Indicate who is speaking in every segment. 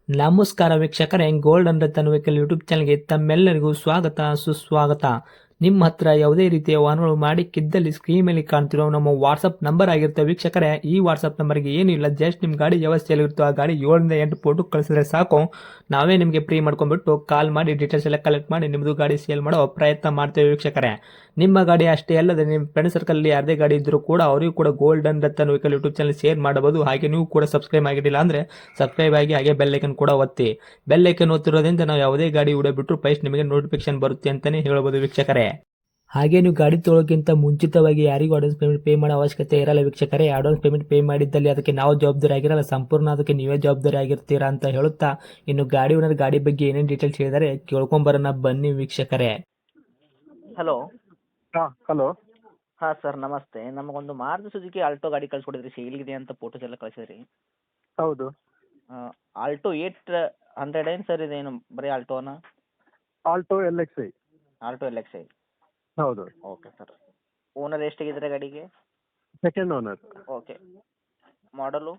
Speaker 1: ನಮಸ್ಕಾರ ವೀಕ್ಷಕರೇ, gold and Ratan vehicle YouTube ಚಾನಲ್ಗೆ ತಮ್ಮೆಲ್ಲರಿಗೂ ಸ್ವಾಗತ ಸುಸ್ವಾಗತ. ನಿಮ್ಮ ಹತ್ರ ಯಾವುದೇ ರೀತಿಯ ವಾಹನಗಳು ಮಾಡಿಕ್ಕಿದ್ದಲ್ಲಿ ಸ್ಕ್ರೀನ್ ಮೇಲೆ ಕಾಣ್ತಿರೋ ನಮ್ಮ ವಾಟ್ಸಪ್ ನಂಬರ್ ಆಗಿರುತ್ತೆ ವೀಕ್ಷಕರೇ. ಈ ವಾಟ್ಸಪ್ ನಂಬರ್ಗೆ ಏನಿಲ್ಲ, ಜಸ್ಟ್ ನಿಮ್ಮ ಗಾಡಿ ವ್ಯವಸ್ಥೆಯಲ್ಲಿರುತ್ತೋ ಆ ಗಾಡಿ 7 ರಿಂದ 8 ಫೋಟೋ ಕಳಿಸಿದ್ರೆ ಸಾಕು, ನಾವೇ ನಿಮಗೆ ಫ್ರೀ ಮಾಡ್ಕೊಂಡ್ಬಿಟ್ಟು ಕಾಲ್ ಮಾಡಿ ಡೀಟೇಲ್ಸ್ ಎಲ್ಲ ಕಲೆಕ್ಟ್ ಮಾಡಿ ನಿಮ್ಮದು ಗಾಡಿ ಸೇಲ್ ಮಾಡೋ ಪ್ರಯತ್ನ ಮಾಡ್ತೇವೆ ವೀಕ್ಷಕರೇ. ನಿಮ್ಮ ಗಾಡಿ ಅಷ್ಟೇ ಅಲ್ಲದೆ ನಿಮ್ಮ ಫ್ರೆಂಡ್ ಸರ್ಕಲ್ ಯಾರದೇ ಗಾಡಿ ಇದ್ದರೂ ಕೂಡ ಅವರಿಗೂ ಕೂಡ gold and Ratan vehicle YouTube channel share ಮಾಡಬಹುದು. ಹಾಗೆ ನೀವು ಕೂಡ ಸಬ್ಸ್ಕ್ರೈಬ್ ಆಗಿರಲಿಲ್ಲ ಅಂದರೆ ಸಬ್ಸ್ಕ್ರೈಬ್ ಆಗಿ ಹಾಗೆ ಬೆಲ್ ಐಕನ್ ಕೂಡ ಒತ್ತಿ. ಬೆಲ್ ಐಕನ್ ಒತ್ತಿರೋದ್ರಿಂದ ನಾವು ಯಾವುದೇ ಗಾಡಿ ವಿಡಿಯೋ ಬಿಟ್ಟರು ಫಸ್ಟ್ ನಿಮಗೆ ನೋಟಿಫಿಕೇಶನ್ ಬರುತ್ತೆ ಅಂತಾನೆ ಹೇಳ್ಬೋದು ವೀಕ್ಷಕರೇ. ಹಾಗೆ ನೀವು ಗಾಡಿ ತೊಳೋಕ್ಕಿಂತ ಮುಂಚಿತವಾಗಿ ಯಾರಿಗೂ ಅಡ್ವಾನ್ಸ್ ಪೇಮೆಂಟ್ ಪೇ ಮಾಡೋ ಅವಶ್ಯಕತೆ ಇರಲ್ಲ ವೀಕ್ಷಕರೇ. ಅಡ್ವಾನ್ಸ್ ಪೇಮೆಂಟ್ ಪೇ ಮಾಡಿದ್ದಲ್ಲಿ ಅದಕ್ಕೆ ನಾವು ಜವಾಬ್ದಾರಿ ಆಗಿರಲ್ಲ, ಸಂಪೂರ್ಣ ಅದಕ್ಕೆ ನೀವೇ ಜವಾಬ್ದಾರಿ ಆಗಿರ್ತೀರಾ ಅಂತ ಹೇಳುತ್ತಾ, ಇನ್ನು ಗಾಡಿ ಓನರ್ ಗಾಡಿ ಬಗ್ಗೆ ಏನೇನು ಡೀಟೇಲ್ಸ್ ಹೇಳಿದರೆ ಕೇಳ್ಕೊಂಬರೋಣ ಬನ್ನಿ ವೀಕ್ಷಕರೇ.
Speaker 2: ಹಲೋ.
Speaker 3: ಹಾಂ ಹಲೋ.
Speaker 2: ಹಾಂ ಸರ್, ನಮಸ್ತೆ. ನಮಗೊಂದು ಮಾರುತಿ ಸುಜುಕಿ ಆಲ್ಟೋ ಗಾಡಿ ಕಳ್ಸಿಕೊಡಿದ್ರಿ, ಸೇಲ್ಗಿದೆ ಅಂತ ಫೋಟೋಸ್ ಎಲ್ಲ ಕಳಿಸಿದ್ರಿ.
Speaker 3: ಹೌದು.
Speaker 2: ಆಲ್ಟೋ 800 ಏನು ಸರ್, ಇದೇನು ಬರೀ ಆಲ್ಟೋನಾ?
Speaker 3: Alto L X I.
Speaker 2: Alto L X I.
Speaker 3: ಹೌದು.
Speaker 2: Okay sir. ಓನರ್ ಎಷ್ಟಾಗಿದ್ದಾರೆ ಗಾಡಿಗೆ?
Speaker 3: Second owner.
Speaker 2: ಓಕೆ. ಮಾಡಲು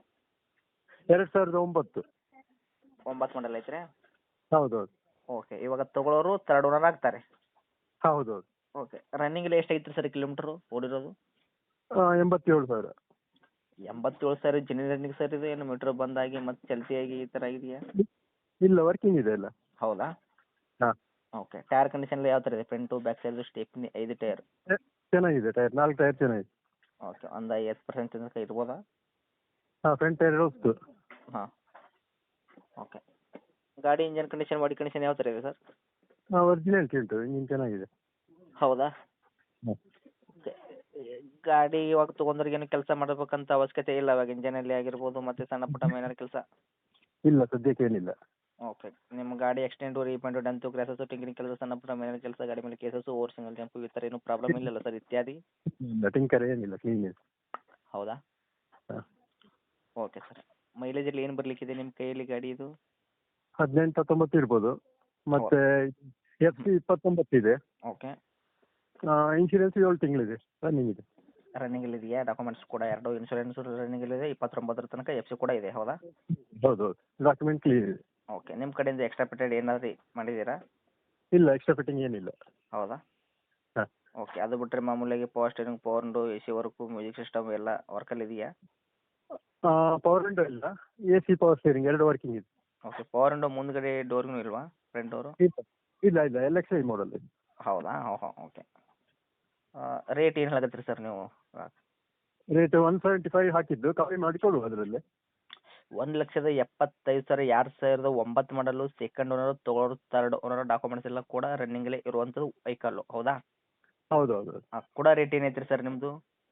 Speaker 3: 2009.
Speaker 2: 9 ಮಾಡಲ್ ಐತ್ರಿ?
Speaker 3: ಹೌದು.
Speaker 2: ಓಕೆ. ಇವಾಗ ತೊಗೊಳೋರು ಥರ್ಡ್ ಓನರ್ ಆಗ್ತಾರೆ?
Speaker 3: ಹೌದು.
Speaker 2: ಓಕೆ. ರನ್ನಿಂಗ್ ಎಲ್ಲ ಎಷ್ಟಾಗಿತ್ತು ಸರ್ ಕಿಲೋಮೀಟ್ರು ಓಡಿರೋದು?
Speaker 3: 87,000.
Speaker 2: 87,000 ಜೆನ್ಯೂನ್ ರನ್ನಿಂಗ್ ಸರ್ ಇದು, ಏನು ಮೀಟ್ರ್ ಬಂದಾಗಿ ಮತ್ತು ಚಲ್ತಿಯಾಗಿ ಈ ಥರ ಇದೆಯಾ?
Speaker 3: ಇಲ್ಲ, ವರ್ಕಿಂಗ್ ಇದೆ ಎಲ್ಲ.
Speaker 2: ಹೌದಾ?
Speaker 3: ಹಾಂ.
Speaker 2: ಓಕೆ. ಟೈರ್ ಕಂಡೀಷನ್ ಎಲ್ಲ ಯಾವ ಥರ ಇದೆ? Front back side stepney 5 tyre?
Speaker 3: ಚೆನ್ನಾಗಿದೆ ಟೈರ್, 4 ಟೈರ್ ಚೆನ್ನಾಗಿದೆ.
Speaker 2: ಓಕೆ. ಒಂದು 50% ತನಕ ಇರ್ಬೋದಾ?
Speaker 3: ಹಾಂ, ಫ್ರಂಟ್ ಟೈರ್ ಹೋಗ್ತು.
Speaker 2: ಹಾಂ. ಓಕೆ. ಗಾಡಿ ಇಂಜನ್ ಕಂಡೀಷನ್, ಬಾಡಿ ಕಂಡೀಷನ್ ಯಾವ ಥರ ಇದೆ ಸರ್?
Speaker 3: ಹಾಂ, ಒರಿಜಿನಾಲಿಟಿ ಉಂಟು, ಇಂಜಿನ್ ಚೆನ್ನಾಗಿದೆ.
Speaker 2: ಹೌದಾ?
Speaker 3: ಹಾಂ.
Speaker 2: ಓಕೆ. ಗಾಡಿ ಇವಾಗ ತೊಗೊಂಡ್ರಿಗೆ ಏನು ಕೆಲಸ ಮಾಡಬೇಕಂತ ಅವಶ್ಯಕತೆ ಇಲ್ಲ, ಇವಾಗ ಇಂಜನಲ್ಲಿ ಆಗಿರ್ಬೋದು ಮತ್ತು ಸಣ್ಣ ಪುಟ್ಟ ಏನಾದ್ರು ಕೆಲಸ?
Speaker 3: ಇಲ್ಲ, ಸದ್ಯಕ್ಕೆ ಏನಿಲ್ಲ.
Speaker 2: ಓಕೆ. ನಿಮ್ಮ ಗಾಡಿ accident, repaint, dent, crashes, tinkering ಕೆಲಸ, ಸಣ್ಣ ಪುಟ್ಟ ಮೇಲಿನ ಕೆಲಸ, ಗಾಡಿ ಮೇಲೆ ಕೇಸಸ್ಸು, ಓವರ್ ಸಿಂಗಲ್ ಜಂಪು ಈ ಥರ ಏನೂ ಪ್ರಾಬ್ಲಮ್ ಇಲ್ಲಲ್ಲ ಸರ್, ಇತ್ಯಾದಿ?
Speaker 3: ಇಲ್ಲ, ಟಿಂಕರ್ ಏನಿಲ್ಲ, ಕ್ಲೀನ್ ಇದೆ.
Speaker 2: ಹೌದಾ?
Speaker 3: ಹಾಂ.
Speaker 2: Okay sir. ಮೈಲೇಜಲ್ಲಿ ಏನು ಬರಲಿಕ್ಕಿದೆ ನಿಮ್ಮ ಕೈಯಲ್ಲಿ ಗಾಡಿ ಇದು?
Speaker 3: 18-19 ಇರ್ಬೋದು. ಮತ್ತು FC 29 ಇದೆ.
Speaker 2: ಓಕೆ.
Speaker 3: ಇನ್ಶೂರೆನ್ಸ್ 7 ತಿಂಗಳಿದೆ, ರನ್ನಿಂಗ್ ಇದೆ.
Speaker 2: ರನ್ನಿಂಗಲ್ಲಿ ಇದೆಯಾ? ಡಾಕ್ಯುಮೆಂಟ್ಸ್ ಕೂಡ ಎರಡು ಇನ್ಶೂರೆನ್ಸು ರನ್ನಿಂಗಲ್ಲಿದೆ, 29 ತನಕ FC ಕೂಡ ಇದೆ, ಹೌದಾ?
Speaker 3: ಹೌದು. ಡಾಕ್ಯುಮೆಂಟ್ ಕ್ಲೀನ್ ಇದೆ.
Speaker 2: ಓಕೆ. ನಿಮ್ಮ ಕಡೆಯಿಂದ ಎಕ್ಸ್ಟ್ರಾ ಪೇಟೆಡ್ ಏನಾದರೂ ಮಾಡಿದ್ದೀರಾ?
Speaker 3: ಇಲ್ಲ, ಎಕ್ಸ್ಟ್ರಾ ಫಿಟ್ಟಿಂಗ್ ಏನಿಲ್ಲ.
Speaker 2: ಹೌದಾ?
Speaker 3: ಹಾಂ.
Speaker 2: ಓಕೆ. ಅದು ಬಿಟ್ಟರೆ ಮಾಮೂಲಿಯಾಗಿ power steering, power window, AC work, music system ಎಲ್ಲ ವರ್ಕಲ್ಲಿ ಇದೆಯಾ?
Speaker 3: ಪವರ್ ವಿಂಡೋ ಇಲ್ಲ, AC ಪವರ್ ಸ್ಟೇರಿಂಗ್ 2 ವರ್ಕಿಂಗ್ ಇದೆ.
Speaker 2: ಓಕೆ. ಪವರ್ ವಿಂಡೋ ಮುಂದ್ಗಡೆ ಡೋರ್ಗೂ ಇಲ್ವಾ, ಫ್ರಂಟ್ ಡೋರು?
Speaker 3: ಇಲ್ಲ ಇಲ್ಲ, LXI ಮಾಡಲ್ ಇದೆ.
Speaker 2: ಹೌದಾ? ಹಾಂ. ಓಕೆ. ರೇಟ್ ಏನು ಹೇಳಕತ್ತೀರಿ ಸರ್ ನೀವು?
Speaker 3: ರೇಟ್ 175 ಹಾಕಿದ್ದು, ಕಮ್ಮಿ ಮಾಡಿ ಕೊಡುವ ಅದರಲ್ಲಿ.
Speaker 2: 1,75,000, 2009 ಮಾಡಲು, ಸೆಕೆಂಡ್ ಓನರು, ತೊಗೊಳೋರು ಥರ್ಡ್ ಓನರ್, ಡಾಕ್ಯುಮೆಂಟ್ಸ್ ಎಲ್ಲ ಕೂಡ ರನ್ನಿಂಗಲ್ಲೇ ಇರುವಂಥದ್ದು ವೆಹಿಕಲ್ಲು, ಹೌದಾ?
Speaker 3: ಹೌದು ಹೌದು.
Speaker 2: ಹಾಂ. ಕೂಡ ರೇಟ್ ಏನೈತ್ರಿ ಸರ್ ನಿಮ್ಮದು?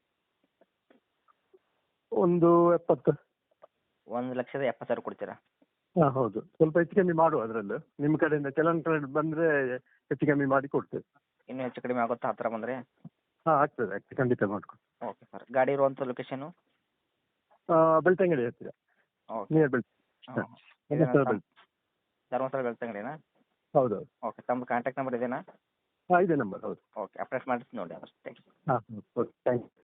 Speaker 3: ಒಂದು 70.
Speaker 2: 1,70,000 ಕೊಡ್ತೀರಾ?
Speaker 3: ಹಾಂ ಹೌದು, ಸ್ವಲ್ಪ ಹೆಚ್ಚು ಕಮ್ಮಿ ಮಾಡುವ ಅದರಲ್ಲೂ. ನಿಮ್ಮ ಕಡೆಯಿಂದ ಕೆಲವೊಂದು ಕಡೆ ಬಂದರೆ ಹೆಚ್ಚು ಕಮ್ಮಿ ಮಾಡಿ ಕೊಡ್ತೇವೆ.
Speaker 2: ಇನ್ನೂ ಹೆಚ್ಚು ಕಡಿಮೆ ಆಗುತ್ತಾ ಹತ್ತಿರ ಬಂದರೆ?
Speaker 3: ಹಾಂ, ಆಗ್ತದೆ ಖಂಡಿತ ಮಾಡ್ಕೊಂಡು.
Speaker 2: Okay sir. ಗಾಡಿ ಇರುವಂಥ ಲೊಕೇಶನು?
Speaker 3: ಬೆಳ್ತಂಗಡಿ ಹತ್ತಿರ,
Speaker 2: ಓಕೆ.
Speaker 3: ನಿಯರ್ ಬೆಳ್ತ.
Speaker 2: ಹಾಂ.
Speaker 3: ಧರ್ಮಸ್ಥಳ ಬೆಳ್ತ.
Speaker 2: ಧರ್ಮಸ್ಥಳ ಬೆಳ್ತಂಗಡಿನಾ?
Speaker 3: ಹೌದು ಹೌದು.
Speaker 2: ಓಕೆ. ತಮ್ಮ ಕಾಂಟ್ಯಾಕ್ಟ್ ನಂಬರ್ ಇದೇನಾ?
Speaker 3: ಹಾಂ, ಇದೇ ನಂಬರ್. ಹೌದು.
Speaker 2: ಓಕೆ. ಅಪ್ಡೇಟ್ ಮಾಡಿಸಿ ನೋಡಿ ಅಷ್ಟು. Thank you.
Speaker 3: ಹಾಂ ಓಕೆ, ಥ್ಯಾಂಕ್ ಯು.